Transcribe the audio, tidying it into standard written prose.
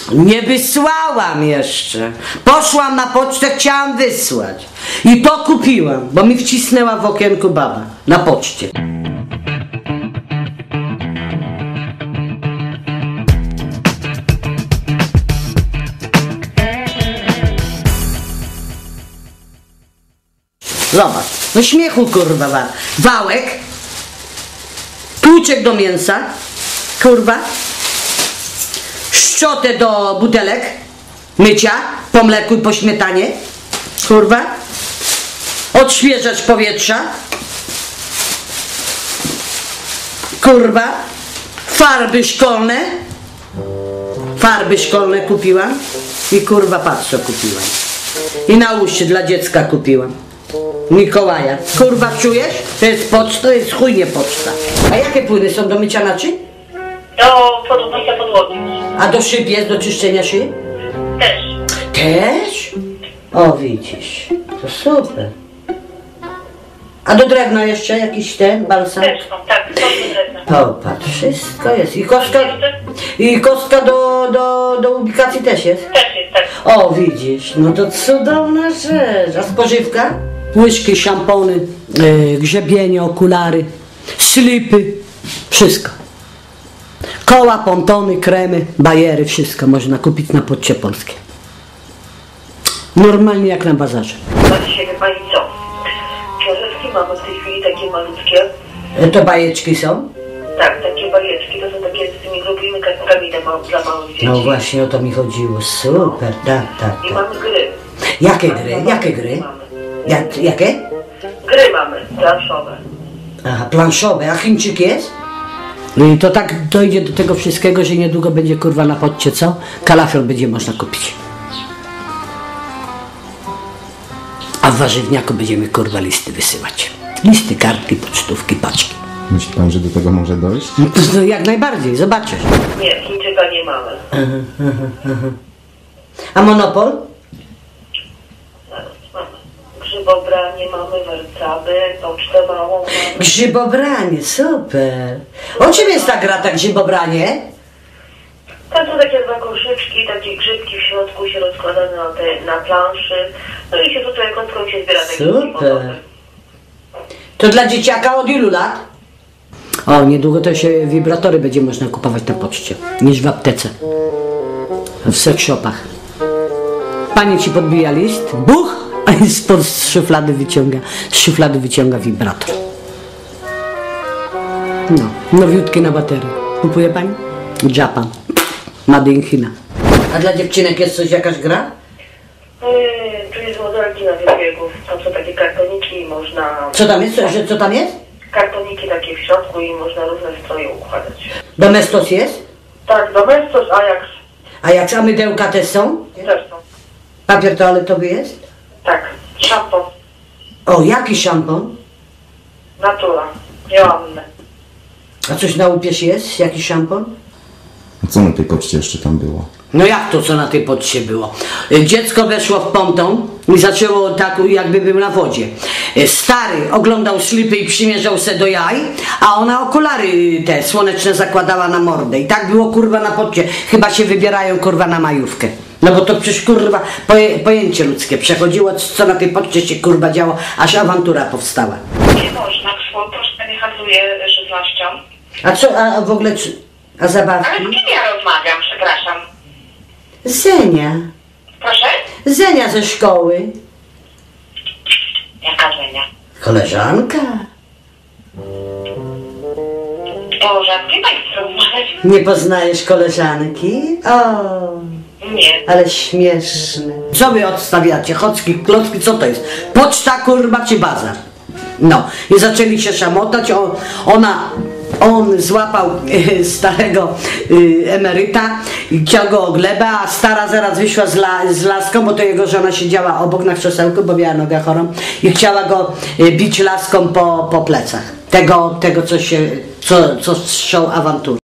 Nie wysłałam jeszcze. Poszłam na pocztę, chciałam wysłać. I to kupiłam, bo mi wcisnęła w okienku baba na poczcie. Zobacz, no śmiechu kurwa, wałek, tłuczek do mięsa, kurwa, szczotę do butelek, mycia, po mleku i po śmietanie, kurwa, odświeżacz powietrza, kurwa, farby szkolne kupiłam i kurwa patrz co kupiłam. I na uszy dla dziecka kupiłam. Mikołaja. Kurwa czujesz? To jest poczta, to jest chujnie poczta. A jakie płyny są do mycia naczyń? Do mycia podłogi. A do szyb jest, do czyszczenia szyb? Też. Też? O widzisz, to super. A do drewna jeszcze jakiś ten balsam? Też są, tak, są do drewna. Popatrz, wszystko jest. I kostka do ubikacji też jest? Też jest, tak. O widzisz, no to cudowna rzecz. A spożywka? Łyżki, szampony, grzebienie, okulary, slipy, wszystko. Koła, pontony, kremy, bajery, wszystko można kupić na Poczcie Polskiej. Normalnie jak na bazarze. A dzisiaj wie pani co? Książeczki mamy w tej chwili takie malutkie. To bajeczki są? Tak, takie bajeczki, to są takie z tymi grubymi kartkami dla małych dzieci. No właśnie o to mi chodziło. Super, tak. I mamy gry. Jakie gry? Jakie gry? Jakie? Gry mamy, planszowe. Aha, planszowe. A Chińczyk jest? I to tak dojdzie do tego wszystkiego, że niedługo będzie kurwa na Poczcie, co? Kalafior będzie można kupić. A w warzywniaku będziemy kurwa listy wysyłać. Listy, kartki, pocztówki, paczki. Myśli pan, że do tego może dojść? No, jak najbardziej, zobaczysz. Nie, Chińczyka nie mamy. A Monopol? Zaraz, mamy. Grzybobranie mamy, wercaby, pocztę małą mamy. Grzybobranie, super. O czym jest ta gra, tak grzybobranie? Tam są takie dwa koszyczki, takie grzybki w środku się rozkładane na planszy. No i się tutaj kątką się zbiera takie Super. To dla dzieciaka od ilu lat? O, niedługo to się wibratory będzie można kupować na poczcie, niż w aptece. W sex shopach. Pani ci podbija list, buch, a z szuflady wyciąga wibrator. No, nowiutki na baterię. Kupuje pani? Japan. Made in China. A dla dziewczynek jest coś, jakaś gra? Tu jest modelki na wybiegów, tam są takie kartoniki i można... Co tam jest? Co tam jest? Kartoniki takie w środku i można różne stroje układać. Domestos jest? Tak, Domestos, Ajax A mydełka też są? też są. Papier toaletowy jest? Tak, szampon, O, jaki szampon? Natura, Joanny. A coś na łupież jest? Jaki szampon? A co na tej poczcie jeszcze tam było? No jak to, co na tej poczcie było? Dziecko weszło w ponton i zaczęło tak, jakby był na wodzie. Stary oglądał slipy i przymierzał se do jaj, a ona okulary te słoneczne zakładała na mordę. I tak było kurwa na poczcie. Chyba się wybierają kurwa na majówkę. No bo to przecież kurwa pojęcie ludzkie przechodziło, co na tej poczcie się kurwa działo, aż awantura powstała. Nie można, poczta nie handluje żywnością. A co, a w ogóle, a zabawki? Ale z kim ja rozmawiam, przepraszam? Zenia. Proszę? Zenia ze szkoły. Jaka Żenia? Koleżanka. O, rzadkie państwo rozmawiać? Nie poznajesz koleżanki? O, Nie. ale śmieszne. Co wy odstawiacie? Chocki, klocki, co to jest? Poczta, kurwa, czy bazar? No, i zaczęli się szamotać, on złapał starego emeryta i chciał go o glebę, a stara zaraz wyszła z laską, bo to jego żona siedziała obok na krzesełku, bo miała nogę chorą i chciała go bić laską po plecach. Tego co strzał awantury.